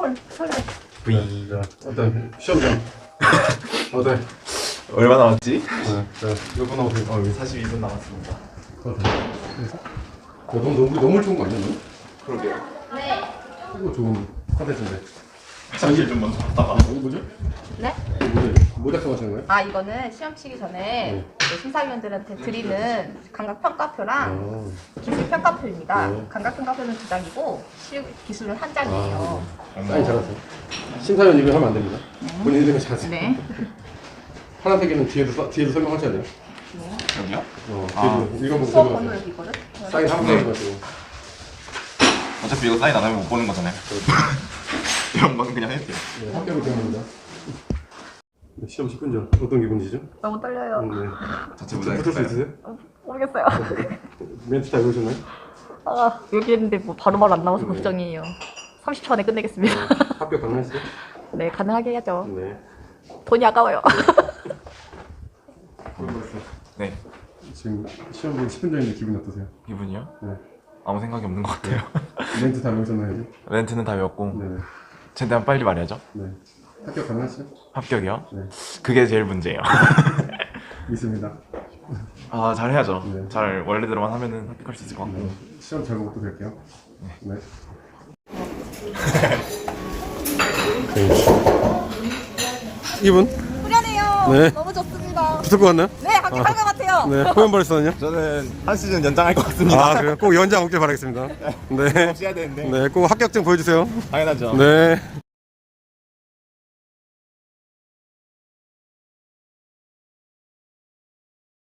설레. V. 자, 일단 시험장. 어때? 얼마 남았지? 자, 몇 분 남았어요? 42분 남았습니다. 너무 좋은 거 아니야, 너? 그러게요. 네. 이거 좋은 컨텐츠인데. 화장실 좀 먼저 갔다가. 이거 뭐죠? 네? 뭐 작성하시는 거예요? 아 이거는 시험 치기 전에 그 심사위원들한테 드리는 감각 평가표랑 기술 평가표입니다. 네. 감각 평가표는 2장이고 기술은 1장이에요. 사인 잘하세요. 심사위원 이름 하면 안 됩니다. 본인 이름을 잘하세요. 네. 파란색에는 뒤에도 설명하셔야 돼요. 여기요? 뒤에도 읽어보고 수업 번호 설명하세요. 여기 있거든. 사인 한 번에 해가지고. 어차피 이거 사인 안 하면 못 보는 거잖아요. 이런 건 그냥 해도 돼요. 네, 합격을 기원합니다. 시험 10분 전 어떤 기분이시죠? 너무 떨려요. 네. 자체 붙을 수 있으세요? 모르겠어요. 멘트 다 외우셨나요? 아 여기 했는데 뭐 바로바로 안 나와서 걱정이에요. 30초 안에 끝내겠습니다. 합격 가능하시죠? 네 가능하게 해야죠. 네. 돈이 아까워요. 네. 지금 시험 보기 10분 전인데 기분이 어떠세요? 기분이요? 네. 아무 생각이 없는 것 같아요. 멘트 다 외우셨나요? 이제? 멘트는 다 외웠고 네. 최대한 빨리 말해야죠. 네. 합격 가능하시죠? 합격이요? 네. 그게 제일 문제예요. 믿습니다. 아 잘해야죠. 네. 잘 원래대로만 하면은 합격할 수 있을 것 같고. 네. 시험 잘 보고 또 뵐게요. 네. 이분? 후련해요. 네. 너무 좋습니다. 붙을 것 같나요? 네 합격할 것 같아요. 네. 호연 벌써는요? 저는 한 시즌 연장할 것 같습니다. 아, 그래요? 꼭 연장 오길 바라겠습니다. 네. 해야 되는데. 네, 꼭 합격증 보여주세요. 당연하죠. 네.